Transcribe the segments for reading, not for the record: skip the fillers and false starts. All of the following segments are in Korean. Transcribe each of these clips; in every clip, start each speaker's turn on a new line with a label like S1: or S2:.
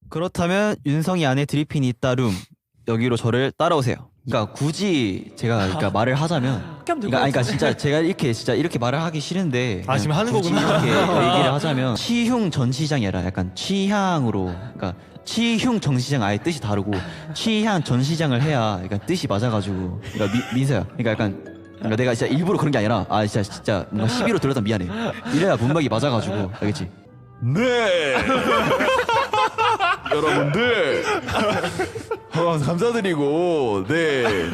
S1: 그렇다면 윤성이 안에 드리핀이 있다 룸 여기로 저를 따라오세요. 그러니까 굳이 제가 그러니까 말을 하자면 그러니까 진짜 제가 이렇게 말을 하기 싫은데
S2: 아, 지금 하는
S1: 굳이
S2: 거구나.
S1: 이렇게 얘기를 하자면 치흉 전시장이 아니라 약간 취향으로 그러니까 치흉 전시장 아예 뜻이 다르고 취향 전시장을 해야 약간 뜻이 맞아가지고 그러니까 민서야 그러니까 약간 그러니까 내가 진짜 일부러 그런 게 아니라 진짜 뭔가 시비로 들었다 미안해. 이래야 문맥이 맞아가지고 알겠지?
S3: 네. 여러분들 감사드리고 네.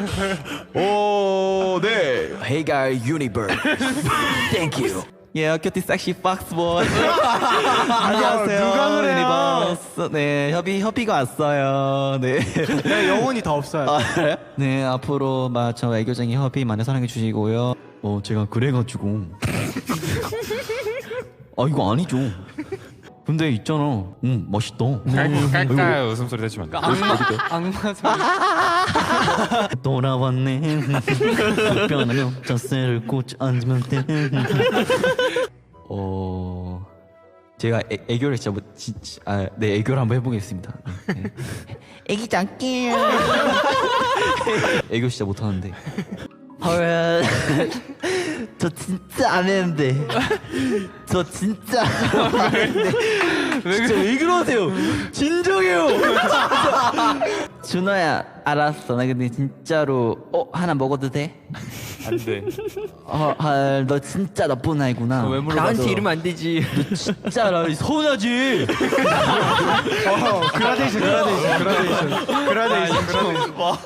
S3: 네.
S1: Hey guy Universe, thank you. Yeah, cutie sexy fox boy. 안녕하세요.
S2: 누가 그래요?
S1: 유니버스. 네, 협의가 왔어요. 네.
S2: 네, 영혼이 다 없어요.
S1: 그래요? 네, 앞으로 저 애교쟁이 협의 많이 사랑해 주시고요. 제가 그래가지고. 이거 아니죠. 근데 있잖아. 멋있다.
S4: 깔깔 웃음소리 내시면 안 돼.
S2: 악마 소리.
S1: 돌아왔네. 변하면 자세를 꽂 앉으면 돼. 제가 애교를 진짜 네 애교를 한번 해보겠습니다. 네. 애기 장기요. 애교 진짜 못하는데. 헐, 저 진짜 안 했는데. 저 진짜 안 했는데. 진짜 왜 그러세요? 진정해요. 준호야, 알았어. 나 근데 진짜로 하나 먹어도 돼?
S4: 안 돼.
S1: 너 진짜 나쁜 아이구나.
S2: 왜 물어봐?
S5: 나한테 이러면 안 되지.
S1: 너 진짜 나 서운하지.
S2: 그라데이션.